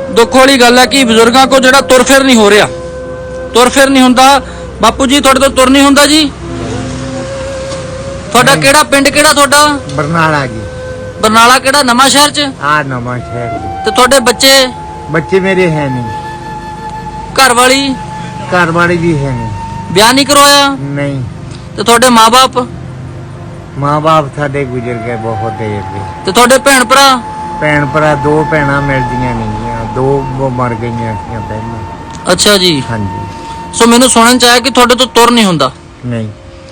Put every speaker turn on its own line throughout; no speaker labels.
दुख वाली गल है कि बजुर्गों को जो तुर फिर नहीं हो रहा, तुर फिर नहीं होंदा। बापू जी थोड़े तो तुर नहीं होंदा जी। थोड़ा केड़ा पिंड केड़ा थोड़ा?
बरनाला जी।
बरनाला केड़ा? नवा शहर च?
हाँ नवा शहर।
ते थोड़े बच्चे?
बच्चे मेरे है नहीं।
घर वाली?
घर वाली भी है नहीं।
ब्याह नहीं करवाया?
नहीं।
ते थोड़े माँ बाप?
माँ बाप साडे गुजर गए बहुत देर से।
ते थोड़े भैन भरा?
भैन भरा दो भैनां मिलदियां नहीं, दो वो मर गई पहले।
अच्छा जी।
हाँ जी।
सो मैनू सुनन च आया कि थोड़े तो तुर नहीं होंदा।
नहीं।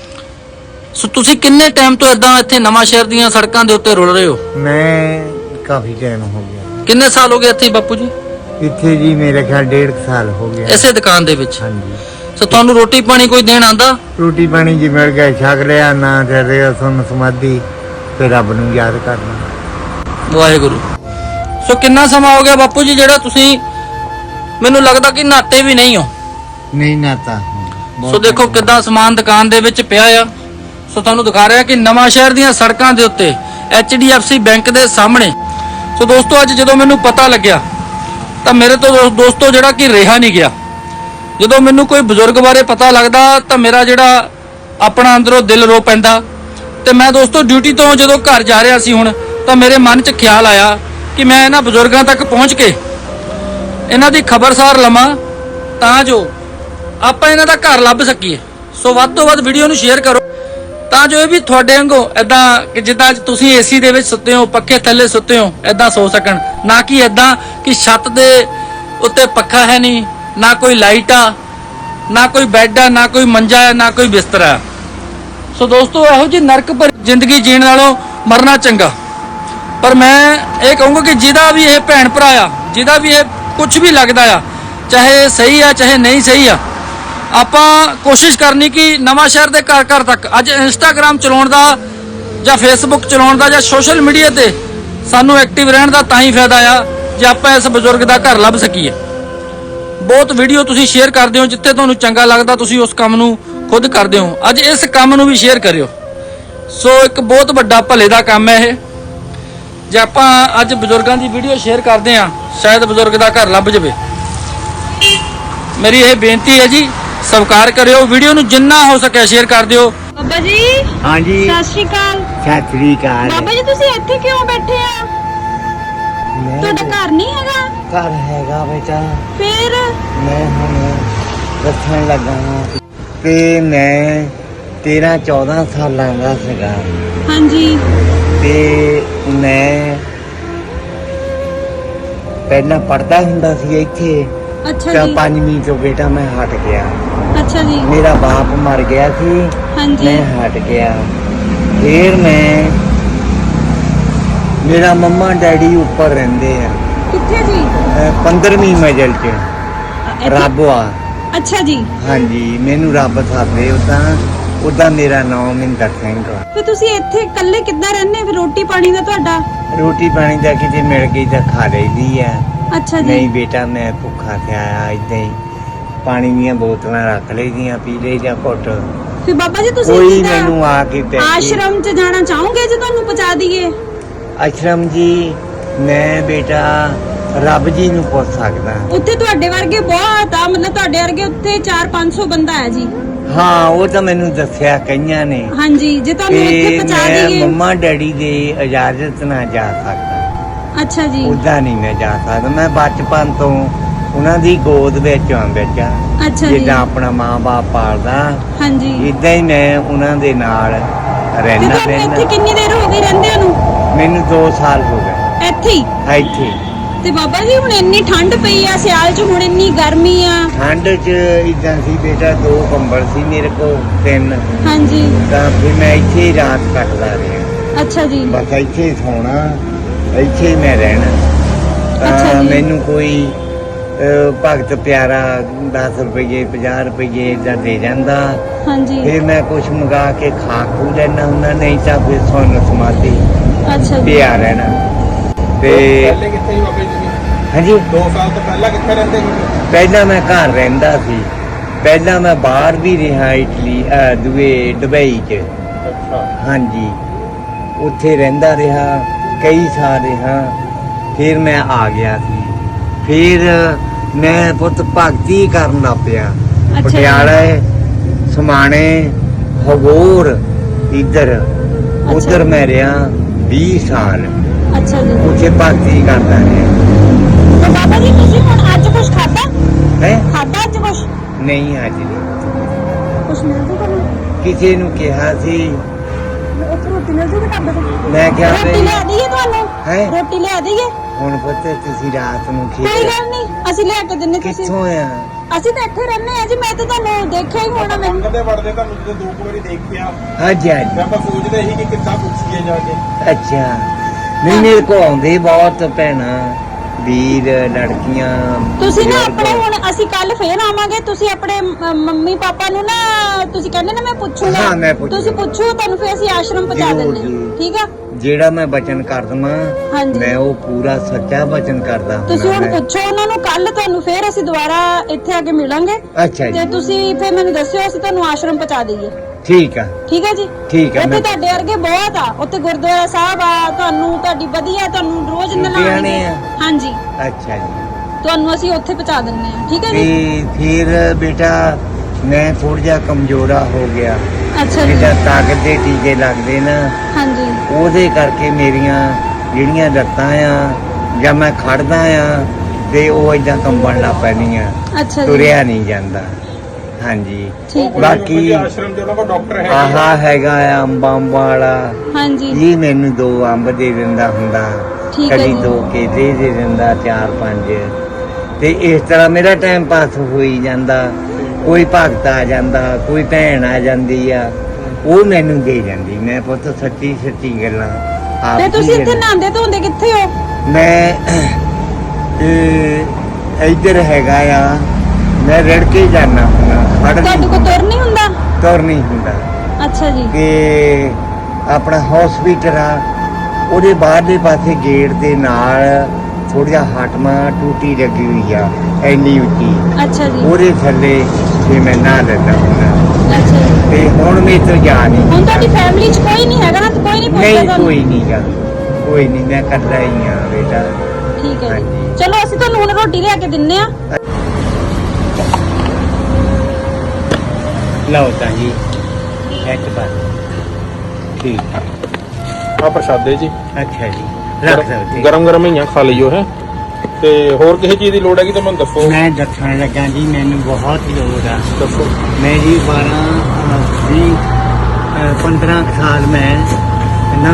सो तुसी किन्ने टाइम तो इदां इत्थे नवा शहर दीयां सड़कां दे उत्ते रुल रहे हो?
मैं काफी टाइम हो गया।
किन्ने साल हो गए इत्थे बापू जी?
इत्थे जी मेरे ख्याल 1.5 साल हो गया।
इसे दुकान दे विच?
हाँ जी।
सो तुहानू रोटी पानी कोई देण आंदा?
रोटी पानी जी मिल गया, छक लिया ना तेरे सुन समाधि ते रब नूं याद करना।
वाहेगुरु। सो कितना समा हो गया बापू जी जेड़ा तुसी मैनू लगदा कि नहाते भी नहीं हो?
नहीं नहाता।
सो देखो किदां समान दुकान दे विच पिया आ। सो तुहानू दिखा रहा कि नवा शहर दीयां सड़कां दे उत्ते HDFC बैंक दे सामने। सो दोस्तों अज जदों मैनू पता लग्या तां मेरे तो दोस्तों जेड़ा कि रहा नहीं गया। जदों मैनू कोई बजुर्ग बारे पता लगदा तां मेरा जेड़ा अपना अंदरों दिल रो पैंदा। ते मैं दोस्तों ड्यूटी तो जदों घर जा रहा सी हुण तां मेरे मन च ख्याल आया कि मैं इन्हां बजुर्गों तक पहुँच के इन्हां दी खबरसार लवां तां जो आपां इन्हां दा घर लभ सकीए। सो वध तों वध वीडियो नूं शेयर करो तां जो ये भी तुहाडे वांगू इदां कि जिद्दां तुसीं AC दे विच सुत्ते हो, पक्खे थल्ले सुत्ते हो, इदां सो सकण। ना कि इदां कि छत दे उत्ते पक्खा है नहीं, ना कोई लाइट आ, ना कोई बैड आ, ना कोई मंजा है, ना कोई बिस्तरा है। सो दोस्तों इहो जी नरक पर जिंदगी जीण नालों मरना चंगा। पर मैं ये कहूँगा कि जिहदा भी ये भैन भरा आ, जिहदा भी ये कुछ भी लगता आ, चाहे सही आ चाहे नहीं सही आ, आपां कोशिश करनी कि नवा शहर के घर घर तक अज इंस्टाग्राम चलाउण दा जां फेसबुक चलाउण दा जां सोशल मीडिया ते सानू एक्टिव रहण दा तां ही फायदा आ जे आपां इस बजुर्ग दा घर लभ सकीए। बहुत वीडियो तुसीं शेयर करदे हो, जिੱਥੇ ਤੁਹਾਨੂੰ ਚੰਗਾ ਲੱਗਦਾ ਤੁਸੀਂ ਉਸ ਕੰਮ ਨੂੰ खुद करदे हो। अज इस काम ਨੂੰ भी शेयर करियो। सो एक बहुत ਵੱਡਾ ਭਲੇ ਦਾ ਕੰਮ है ਇਹ। ਜੇ ਆਪਾਂ ਅੱਜ ਬਜ਼ੁਰਗਾਂ ਦੀ ਵੀਡੀਓ ਸ਼ੇਅਰ ਕਰਦੇ ਆ ਸ਼ਾਇਦ ਬਜ਼ੁਰਗ ਦਾ ਘਰ ਲੱਭ ਜਾਵੇ। ਮੇਰੀ ਇਹ ਬੇਨਤੀ ਹੈ ਜੀ ਸਤਿਕਾਰ ਕਰਿਓ, ਵੀਡੀਓ ਨੂੰ ਜਿੰਨਾ ਹੋ ਸਕੇ ਸ਼ੇਅਰ ਕਰ ਦਿਓ।
ਬਾਬਾ ਜੀ।
हाँ जी।
ਸਤਿ ਸ਼੍ਰੀ ਅਕਾਲ।
सत श्री अकाल।
ਬਾਬਾ ਜੀ ਤੁਸੀਂ ਇੱਥੇ ਕਿਉਂ ਬੈਠੇ ਆ? ਤੁਹਾਡਾ ਘਰ ਨਹੀਂ ਹੈਗਾ?
घर हैगा बेटा।
ਫਿਰ
मैं हुण दस्सण लगा हां ते मैं 13-14 सालां दा सीगा
ਹਾਂਜੀ
ते मैं पहला पढ़दा हुंदा सी इत्थे।
ਅੱਛਾ
ਤਾਂ
ਜੀ।
5ਵੀਂ ਤੋਂ बेटा मैं हट गया।
ਅੱਛਾ ਜੀ।
मेरा बाप मर गया थी,
ਹਾਂਜੀ
मैं हट गया। फिर मैं मेरा मम्मा डैडी ऊपर रहंदे आ
ਕਿੱਥੇ ਜੀ?
15ਵੀਂ ਮੰਜ਼ਿਲ 'ਚ
ਇੱਥੇ?
ਰੱਬ ਆ।
ਅੱਛਾ ਜੀ।
ਹਾਂਜੀ ਮੈਨੂੰ ਰੱਬ ਸਾਦੇ ਉਦਾਂ ਮੇਰਾ ਨਾਮ ਮਹਿੰਦਰ ਸਿੰਘ ਆ।
ਫਿਰ ਤੁਸੀਂ ਇੱਥੇ ਇਕੱਲੇ ਕਿੱਦਾਂ ਰਹਿੰਦੇ? ਫਿਰ ਰੋਟੀ ਪਾਣੀ ਦਾ ਤੁਹਾਡਾ?
ਰੋਟੀ ਪਾਣੀ ਦਾ ਕਿਤੇ ਮਿਲ ਗਈ ਤਾਂ ਖਾ ਲਈਦੀ ਆ।
ਅੱਛਾ ਜੀ।
ਨਹੀਂ ਬੇਟਾ ਮੈਂ ਭੁੱਖਾ ਤੇ ਆਇਆ ਇਦਾਂ ਹੀ ਪਾਣੀ ਦੀਆਂ ਬੋਤਲਾਂ ਰੱਖ ਲਈਦੀਆਂ, ਪੀ ਲਈ ਜਾਂ ਘੁੱਟ।
ਫਿਰ ਬਾਬਾ ਜੀ ਤੁਸੀਂ
ਕੋਈ
ਜਿੱਦਾਂ
ਮੈਨੂੰ ਆ ਕੇ ਤੇ
ਆਸ਼ਰਮ 'ਚ ਜਾਣਾ ਚਾਹੋਗੇ ਜੇ ਤੁਹਾਨੂੰ ਪਹੁੰਚਾ ਦਈਏ?
ਆਸ਼ਰਮ ਜੀ ਮੈਂ ਬੇਟਾ ਰੱਬ ਜੀ ਨੂੰ ਪੁੱਛ ਸਕਦਾ।
ਉੱਥੇ ਤੁਹਾਡੇ ਵਰਗੇ ਬਹੁਤ ਆ, ਮਤਲਬ ਤੁਹਾਡੇ ਵਰਗੇ ਉੱਥੇ 400-500 ਬੰਦਾ ਹੈ ਜੀ।
ਹਾਂ ਉਹ ਤਾਂ ਮੈਨੂੰ ਦੱਸਿਆ ਕਈਆਂ ਨੇ
ਹਾਂਜੀ ਜੇ ਤੁਹਾਨੂੰ ਇੱਥੇ
ਕਿ
ਪਹੁੰਚਾ
ਮੈਂ
ਦਈਏ।
ਮੰਮਾ ਡੈਡੀ ਦੇ ਇਜਾਜ਼ਤ ਨਾਲ ਜਾ ਸਕਦਾ।
ਅੱਛਾ ਜੀ।
ਉਦਾਂ ਨਹੀਂ ਮੈਂ ਜਾ ਸਕਦਾ। ਮੈਂ ਬਚਪਨ ਤੋਂ ਉਹਨਾਂ ਦੀ ਗੋਦ ਵਿੱਚ ਆ ਬੱਚਾ,
ਅੱਛਾ ਜੀ।
ਜਿੱਦਾਂ ਆਪਣਾ ਮਾਂ-ਬਾਪ ਪਾਲਦਾ
ਹਾਂਜੀ
ਇਦਾਂ ਹੀ ਮੈਂ ਉਹਨਾਂ ਦੇ ਨਾਲ
ਤੇ
ਰਹਿਣਾ
ਤੁਹਾਨੂੰ ਇੱਥੇ
ਰਹਿਣਾ।
ਕਿੰਨੀ ਦੇਰ ਹੋ ਗਈ ਰਹਿੰਦੇ ਨੂੰ?
ਮੈਨੂੰ 2 ਸਾਲ ਹੋ ਗਏ
ਇੱਥੇ ਹੀ?
ਇੱਥੇ।
ਤੇ ਬਾਬਾ ਜੀ ਹੁਣ ਇੰਨੀ ਠੰਡ ਪਈ ਆ, ਸਿਆਲ 'ਚ ਹੁਣ ਇੰਨੀ ਗਰਮੀ ਆ।
ਠੰਡ 'ਚ ਇਦਾਂ ਸੀ ਬੇਟਾ 2 ਕੰਬਲ ਸੀ ਮੇਰੇ ਕੋਲ 3,
ਹਾਂਜੀ
ਤਾਂ ਫਿਰ ਮੈਂ ਇੱਥੇ ਹੀ ਰਾਤ ਕੱਟਦਾ ਰਿਹਾ।
ਅੱਛਾ ਜੀ।
ਬਸ ਇੱਥੇ ਹੀ ਸੌਣਾ, ਇੱਥੇ ਹੀ ਮੈਂ ਰਹਿਣਾ।
ਅੱਛਾ
ਤਾਂ
ਜੀ।
ਮੈਨੂੰ ਕੋਈ ਭਗਤ ਪਿਆਰਾ 10 ਰੁਪਏ 50 ਰੁਪਏ ਏਦਾਂ ਦੇ ਜਾਂਦਾ।
ਹਾਂਜੀ
ਫਿਰ ਮੈਂ ਕੁਛ ਮੰਗਾ ਕੇ ਖਾ ਖੂ ਲੈਣਾ ਹੁੰਦਾ, ਨਹੀਂ ਤਾਂ ਫਿਰ ਸੁੰਨ ਸਮਾਧੀ
ਅੱਛਾ ਜੀ।
ਪਿਆ ਰਹਿਣਾ। ਤੇ
ਪਹਿਲੇ ਕਿੱਥੇ ਸੀ ਬਾਬਾ ਜੀ ਤੁਸੀਂ?
ਹਾਂਜੀ
2 ਸਾਲ ਤੋਂ ਪਹਿਲਾਂ ਕਿੱਥੇ ਰਹਿੰਦੇ ਸੀ?
ਪਹਿਲਾਂ ਮੈਂ ਘਰ ਰਹਿੰਦਾ ਸੀ, ਪਹਿਲਾਂ ਮੈਂ ਬਾਹਰ ਵੀ ਰਿਹਾ ਇਟਲੀ ਦੁਬਈ 'ਚ।
ਅੱਛਾ।
ਹਾਂਜੀ ਉੱਥੇ ਰਹਿੰਦਾ ਰਿਹਾ, ਕਈ ਸਾਲ ਰਿਹਾ। ਫਿਰ ਮੈਂ ਆ ਗਿਆ ਸੀ ਫਿਰ ਮੈਂ ਪੁੱਤ ਭਗਤੀ ਕਰਨ ਲੱਗ ਪਿਆ
ਜੀ।
ਪਟਿਆਲੇ ਸਮਾਣੇ ਹਗੋਰ ਇੱਧਰ ਉਧਰ ਮੈਂ ਰਿਹਾ 20 ਸਾਲ
ਅੱਛਾ ਜੀ।
ਉੱਥੇ ਭਗਤੀ ਕਰਦਾ ਰਿਹਾ
ਤੇ ਬਾਬਾ ਜੀ ਤੁਸੀਂ ਹੁਣ ਅੱਜ ਕੁਝ ਖਾਦਾ?
ਹੈ
ਖਾਦਾ ਅੱਜ ਕੁਝ?
ਨਹੀਂ ਅੱਜ ਨਹੀਂ
ਕੁਝ ਮਿਲ ਜੂਗਾ ਤੁਹਾਨੂੰ?
ਕਿਸੇ ਨੂੰ ਕਿਹਾ ਸੀ
ਉੱਥੇ ਰੋਟੀ ਮਿਲ ਜੂਗੀ ਢਾਬੇ ਤੋਂ?
ਮੈਂ ਕਿਹਾ
ਰੋਟੀ
ਵੀ
ਲਿਆ ਦਈਏ ਤੁਹਾਨੂੰ?
ਹੈਂ?
ਰੋਟੀ ਲਿਆ ਦਈਏ?
ਹੁਣ ਪੁੱਤ ਤੁਸੀਂ ਰਾਤ ਨੂੰ
ਕੋਈ
ਖੇਡ
ਗੱਲ ਨਹੀਂ, ਅਸੀਂ ਲਿਆ ਕੇ ਦਿੰਨੇ। ਤੁਸੀਂ
ਕਿੱਥੋਂ ਆ
ਅਸੀਂ ਤਾਂ ਇੱਥੇ ਰਹਿੰਦੇ ਆ ਜੀ। ਮੈਂ ਤਾਂ ਤੁਹਾਨੂੰ ਦੇਖਿਆ ਹੀ ਹੋਣਾ। ਮੈਨੂੰ
ਕਦੇ ਵੜਦੇ ਤੁਹਾਨੂੰ ਜਦੋਂ ਦੋ ਕੁ ਵਾਰੀ ਦੇਖਿਆ
ਹਾਂਜੀ ਹਾਂਜੀ
ਤੇ ਆਪਾਂ ਸੋਚਦੇ ਸੀ ਕਿ ਕਿੱਦਾਂ ਪੁੱਛੀਏ ਜਾ ਕੇ।
ਅੱਛਾ ਨਹੀਂ ਮੇਰੇ ਕੋ ਆਉਂਦੇ ਬਹੁਤ ਭੈਣਾਂ ਵੀਰ ਲੜਕੀਆਂ
ਤੁਸੀਂ ਨਾ
ਬਜ਼ੁਰਗ।
ਆਪਣੇ ਹੁਣ ਅਸੀਂ ਕੱਲ ਫੇਰ ਆਵਾਂਗੇ। ਤੁਸੀਂ ਆਪਣੇ ਮੰਮੀ ਪਾਪਾ ਨੂੰ ਨਾ ਤੁਸੀਂ ਕਹਿੰਦੇ ਨਾ ਮੈਂ ਪੁੱਛੂਗਾ।
ਹਾਂ, ਮੈਂ ਪੁੱਛੂਗਾ।
ਤੁਸੀਂ ਪੁੱਛੋ, ਤੁਹਾਨੂੰ ਫੇਰ ਅਸੀਂ ਆਸ਼ਰਮ ਪਹੁੰਚਾ
ਜ਼ਰੂਰ
ਦਿੰਦੇ
ਜੀ।
ਹਾਂ। ਠੀਕ ਆ?
ਜਿਹੜਾ ਮੈਂ ਬਚਨ ਕਰ ਦਵਾਂ
ਹਾਂਜੀ।
ਮੈਂ ਉਹ ਪੂਰਾ ਸੱਚਾ ਬਚਨ ਕਰਦਾ
ਤੁਸੀਂ ਹੁਣ
ਮੈਂ।
ਪੁੱਛੋ ਉਹਨਾਂ ਨੂੰ। ਕੱਲ ਤੁਹਾਨੂੰ ਫੇਰ ਅਸੀਂ ਦੁਬਾਰਾ ਇੱਥੇ ਆ ਕੇ ਮਿਲਾਂਗੇ
ਅੱਛਾ
ਤੇ
ਜੀ
ਤੁਸੀਂ ਫੇਰ ਮੈਨੂੰ ਦੱਸਿਓ, ਅਸੀਂ ਤੁਹਾਨੂੰ ਆਸ਼ਰਮ ਪਹੁੰਚਾ ਦਈਏ।
ਠੀਕ ਆ
ਠੀਕ ਹੈ ਜੀ।
ਠੀਕ ਆ
ਉੱਥੇ
ਮੈਂ
ਤੁਹਾਡੇ ਵਰਗੇ ਬਹੁਤ ਆ। ਉੱਥੇ ਗੁਰਦੁਆਰਾ ਸਾਹਿਬ ਆ। ਤੁਹਾਡੀ ਵਧੀਆ ਤੁਹਾਨੂੰ ਰੋਜ਼
ਲੁਧਿਆਣੇ
ਨਲਾਣਗੇ।
ਆ?
ਹਾਂਜੀ,
ਅੱਛਾ ਜੀ
ਤੁਹਾਨੂੰ ਅਸੀਂ ਉੱਥੇ ਪਹੁੰਚਾ ਦਿੰਦੇ ਹਾਂ। ਠੀਕ ਹੈ ਜੀ।
ਤੇ ਫਿਰ ਬੇਟਾ ਮੈਂ ਥੋੜਾ ਜਿਹਾ ਕਮਜ਼ੋਰਾ ਹੋ ਗਿਆ
ਅੱਛਾ ਜੀ।
ਜਿੱਦਾਂ ਤਾਕਤ ਦੇ ਟੀਕੇ ਲੱਗਦੇ ਨਾ
ਹਾਂਜੀ।
ਉਹਦੇ ਕਰਕੇ ਮੇਰੀਆਂ ਜਿਹੜੀਆਂ ਲੱਤਾਂ ਆ ਜਾਂ ਮੈਂ ਖੜਦਾ ਆ ਤੇ ਉਹ ਏਦਾਂ ਕੰਬਣ ਲੱਗ ਪੈਣੀਆਂ
ਅੱਛਾ ਜੀ।
ਤੁਰਿਆ ਨਹੀਂ ਜਾਂਦਾ ਹਾਂਜੀ
ਠੀਕ ਹੈ।
ਬਾਕੀ
ਆਸ਼ਰਮ ਦੇ ਉਹਨਾਂ ਕੋਲ ਡਾਕਟਰ ਹੈ
ਆਹਾ ਹੈਗਾ ਆ ਅੰਬਾਂ ਵਾਲਾ
ਹਾਂਜੀ।
ਇਹ ਮੈਨੂੰ 2 ਅੰਬ ਦੇ ਦਿੰਦਾ ਹੁੰਦਾ
ਠੀਕ ਹੈ
ਕਦੀ
ਜੀ।
2 ਕੇਲੇ ਦੇ ਦਿੰਦਾ 4-5 ਤੇ ਇਸ ਤਰ੍ਹਾਂ ਮੇਰਾ ਟਾਈਮ ਪਾਸ ਹੋਈ ਜਾਂਦਾ ਕੋਈ ਭਗਤ ਆ ਜਾਂਦਾ ਕੋਈ ਭੈਣ ਆ ਜਾਂਦੀ ਆ ਉਹ ਮੈਨੂੰ ਦੇ ਜਾਂਦੀ ਮੈਂ ਪੁੱਤ ਸੱਚੀ ਸੱਚੀ ਗੱਲਾਂ ਆਪ
ਤੇ
ਹੀ
ਤੁਸੀਂ ਇੱਥੇ
ਕਹਿੰਦਾ।
ਨਹਾਉਂਦੇ ਧੋਂਦੇ ਕਿੱਥੇ ਹੋ?
ਮੈਂ ਇੱਧਰ ਹੈਗਾ ਆ ਮੈਂ ਰੜ ਕੇ ਜਾਣਾ ਹੁੰਦਾ ਖੜ
ਤੁਹਾਡੇ ਕੋਲ ਤੁਰ ਨਹੀਂ ਹੁੰਦਾ?
ਤੁਰ ਨਹੀਂ ਹੁੰਦਾ
ਅੱਛਾ ਜੀ।
ਕਿ ਆਪਣਾ ਹਸਪੀਟਲ ਆ ਉਹਦੇ ਬਾਹਰਲੇ ਪਾਸੇ ਗੇਟ ਦੇ ਨਾਲ ਥੋੜਾ ਜਿਹਾ ਹਟਮਾ ਟੂਟੀ ਲੱਗੀ ਹੋਈ ਆ ਐਨੀ ਉੱਚੀ
ਅੱਛਾ ਜੀ।
ਉਹਦੇ ਥੱਲੇ ਜੇ ਮੈਂ ਨਹਾ ਲੈਂਦਾ ਹੁੰਦਾ
ਅੱਛਾ ਜੀ।
ਤੇ ਹੁਣ ਮੇਰੇ ਤੋਂ ਜਾ ਨਹੀਂ
ਹੁਣ ਤੁਹਾਡੀ ਫੈਮਿਲੀ 'ਚ ਕੋਈ ਨਹੀਂ ਹੈਗਾ ਨਾ? ਤੇ ਕੋਈ ਨਹੀਂ ਪੁੱਛਦਾ
ਨਹੀਂ
ਤੁਹਾਨੂੰ?
ਕੋਈ ਨਹੀਂ ਗਾ ਕੋਈ ਨਹੀਂ ਮੈਂ ਇਕੱਲਾ ਹੀ ਆ ਬੇਟਾ
ਠੀਕ ਹੈ ਜੀ।
ਹਾਂਜੀ।
ਚਲੋ ਅਸੀਂ ਤੁਹਾਨੂੰ ਹੁਣ ਰੋਟੀ ਲਿਆ ਕੇ ਦਿੰਨੇ ਆ।
ਲਓ ਤਾਂ ਜੀ ਇੱਕ ਬਾਰ ਠੀਕ
ਆ ਪ੍ਰਸ਼ਾਦੇ ਜੀ
ਅੱਛਾ ਜੀ ਰੱਖ ਸਕਦੇ
ਗਰਮ ਗਰਮ ਹੀ ਆ, ਖਾ ਲਈਓ ਹੈ। ਤੇ ਹੋਰ ਕਿਸੇ ਚੀਜ਼ ਦੀ ਲੋੜ ਹੈਗੀ ਤਾਂ ਮੈਨੂੰ ਦੱਸੋ।
ਮੈਂ ਦੱਸਣ ਲੱਗਾ ਜੀ ਮੈਨੂੰ ਬਹੁਤ ਲੋੜ ਆ
ਦੱਸੋ।
ਮੈਂ ਜੀ 15 ਸਾਲ ਮੈਂ ਨਾ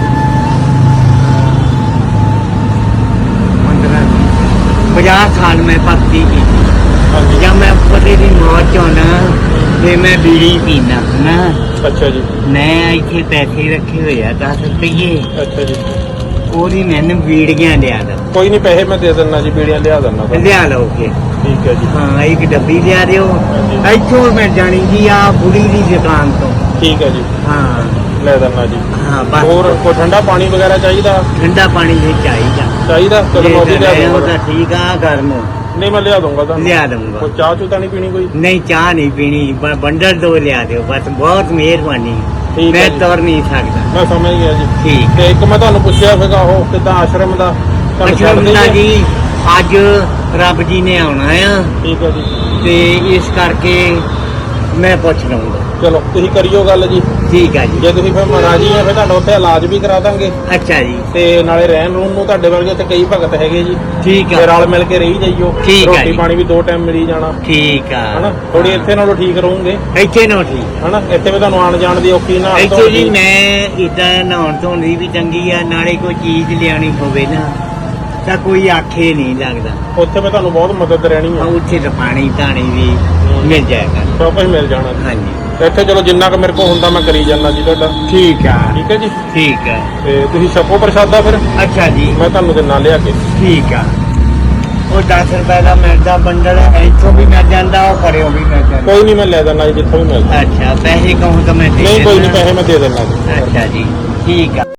50 ਸਾਲ ਮੈਂ ਭਗਤੀ ਕੀਤੀ
ਹਾਂਜੀ।
ਜਦ ਮੈਂ ਪਤੀ ਦੀ ਮੌਤ ਚਾਹੁੰਦਾ ਤੇ ਮੈਂ ਬੀੜੀ ਪੀਣਾ ਨਾ
ਅੱਛਾ ਜੀ।
ਮੈਂ ਇੱਥੇ ਪੈਸੇ ਰੱਖੇ ਹੋਏ ਆ 10 ਰੁਪਏ
ਅੱਛਾ ਜੀ।
ਉਹਦੀ ਮੈਨੂੰ ਬੀੜੀਆਂ ਲਿਆ ਦੋ
ਕੋਈ ਨਹੀਂ, ਪੈਸੇ ਮੈਂ ਦੇ ਦਿੰਦਾ ਜੀ, ਬੀੜੀਆਂ ਲਿਆ ਦਿੰਦਾ ਤੁਹਾਨੂੰ।
ਲਿਆ ਲਓਗੇ
ਠੀਕ ਹੈ ਜੀ।
ਹਾਂ ਇੱਕ ਡੱਬੀ ਲਿਆ ਦਿਓ
ਹਾਂਜੀ।
ਇੱਥੋਂ ਮੈਂ ਜਾਣੀ ਜੀ ਆ ਬੁੜੀ ਦੀ ਦੁਕਾਨ ਤੋਂ
ਠੀਕ ਹੈ ਜੀ,
ਹਾਂ
ਲੈ ਦਿੰਦਾ ਜੀ।
ਹਾਂ ਬਸ
ਹੋਰ ਕੋਈ ਠੰਡਾ ਪਾਣੀ ਵਗੈਰਾ ਚਾਹੀਦਾ?
ਠੰਡਾ ਪਾਣੀ ਵੀ ਚਾਹੀਦਾ
ਚਾਹੀਦਾ ਚਲੋ ਮੈਂ ਉਹ ਵੀ ਲਿਆ
ਜੇ ਉਹ
ਦੂੰਗਾ।
ਤਾਂ ਠੀਕ ਆ ਗਰਮ
ਨਹੀਂ ਮੈਂ ਲਿਆ ਦੂੰਗਾ ਤੁਹਾਨੂੰ।
ਲਿਆ ਦਊਂਗਾ।
ਕੋਈ ਚਾਹ ਚੂ ਤਾਂ ਨਹੀਂ ਪੀਣੀ ਕੋਈ?
ਨਹੀਂ ਚਾਹ ਨਹੀਂ ਪੀਣੀ ਬੰਡਲ ਦੋ ਲਿਆ ਦਿਓ ਬਸ ਬਹੁਤ ਮਿਹਰਬਾਨੀ
ਠੀਕ ਹੈ
ਮੈਂ
ਜੀ।
ਤੁਰ ਨਹੀਂ ਸਕਦਾ
ਮੈਂ ਸਮਝ ਗਿਆ ਜੀ।
ਠੀਕ
ਤੇ ਇੱਕ ਮੈਂ ਤੁਹਾਨੂੰ ਪੁੱਛਿਆ ਸੀਗਾ ਉਹ ਕਿੱਦਾਂ ਆਸ਼ਰਮ ਦਾ ਤੁਹਾਨੂੰ
ਅੱਛਾ
ਛੱਡ
ਮੁੰਡਾ
ਦੇਈਏ?
ਜੀ ਅੱਜ ਰੱਬ ਜੀ ਨੇ ਆਉਣਾ ਆ
ਠੀਕ ਹੈ ਜੀ।
ਤੇ ਇਸ ਕਰਕੇ ਮੈਂ ਪੁੱਛ ਲਵਾਂਗਾ
ਚਲੋ ਤੁਸੀਂ ਕਰਿਓ ਗੱਲ ਜੀ।
ਠੀਕ ਆ ਜੀ
ਜੇ ਤੁਸੀਂ ਫਿਰ ਮਹਾਰਾਜੀ ਆ ਫਿਰ ਤੁਹਾਡਾ ਉੱਥੇ ਇਲਾਜ ਵੀ ਕਰਾ ਦਾਂਗੇ
ਅੱਛਾ ਜੀ
ਤੇ ਨਾਲੇ ਰਹਿਣ ਰੂਣ ਨੂੰ ਤੁਹਾਡੇ ਵਰਗੇ ਉੱਥੇ ਕਈ ਭਗਤ ਹੈਗੇ ਜੀ।
ਠੀਕ
ਤੇ
ਆ
ਰਲ ਮਿਲ ਕੇ ਰਹੀ ਜਾਈਓ।
ਠੀਕ ਆ
ਰੋਟੀ
ਜੀ।
ਪਾਣੀ ਵੀ 2 ਟਾਈਮ ਮਿਲੀ ਜਾਣਾ
ਠੀਕ ਆ
ਹਨਾ। ਥੋੜੀ ਇੱਥੇ ਨਾਲੋਂ ਠੀਕ ਰਹੋਗੇ
ਇੱਥੇ ਨਾ ਠੀਕ
ਹਨਾ। ਇੱਥੇ ਵੀ ਤੁਹਾਨੂੰ ਆਣ ਜਾਣ ਦੀ ਔਖੀ ਨਾ
ਇੱਥੇ ਜੀ ਮੈਂ ਇਦਾਂ ਨਹਾਉਣ ਧੋਣ ਦੀ ਵੀ ਚੰਗੀ ਆ ਨਾਲੇ ਕੋਈ ਚੀਜ਼ ਲਿਆਣੀ ਹੋਵੇ ਨਾ ਤਾਂ ਕੋਈ ਆਖੇ ਨਹੀਂ ਲੱਗਦਾ
ਉੱਥੇ ਵੀ ਤੁਹਾਨੂੰ ਬਹੁਤ ਮਦਦ ਰਹਿਣੀ
ਆ
ਆ।
ਉੱਥੇ ਤਾਂ ਪਾਣੀ ਧਾਣੀ ਵੀ ਮਿਲ ਜਾਏਗਾ
ਸਭ ਕੁਝ ਮਿਲ ਜਾਣਾ ਜੀ।
ਹਾਂਜੀ
ਇੱਥੇ ਚਲੋ ਜਿੰਨਾ ਕੁ ਮੇਰੇ ਕੋਲ ਹੁੰਦਾ ਮੈਂ ਕਰੀ ਜਾਂਦਾ ਜੀ ਤੁਹਾਡਾ।
ਠੀਕ ਆ
ਠੀਕ ਹੈ ਜੀ।
ਠੀਕ ਆ
ਤੇ ਤੁਸੀਂ ਛਕੋ ਪ੍ਰਸ਼ਾਦਾ ਫਿਰ
ਅੱਛਾ ਜੀ
ਮੈਂ ਤੁਹਾਨੂੰ ਦਿਨਾਂ ਲਿਆ ਕੇ।
ਠੀਕ ਆ ਉਹ 10 ਰੁਪਏ ਦਾ ਮਿਲਦਾ ਬੰਡਲ ਇੱਥੋਂ ਵੀ ਮਿਲ ਜਾਂਦਾ ਉਹ ਪਰਿਓ ਵੀ ਮਿਲ ਜਾਂਦਾ
ਕੋਈ ਨਹੀਂ ਮੈਂ ਲੈ ਦਿੰਦਾ ਜੀ ਜਿੱਥੋਂ ਵੀ ਮਿਲਦਾ।
ਅੱਛਾ ਪੈਸੇ ਕਹੂੰ ਤਾਂ ਮੈਂ ਦੇ
ਨਹੀਂ ਕੋਈ ਨਹੀਂ,
ਦਿੰਦਾ।
ਪੈਸੇ ਮੈਂ ਦੇ ਦਿੰਦਾ ਜੀ।
ਅੱਛਾ ਜੀ ਠੀਕ ਆ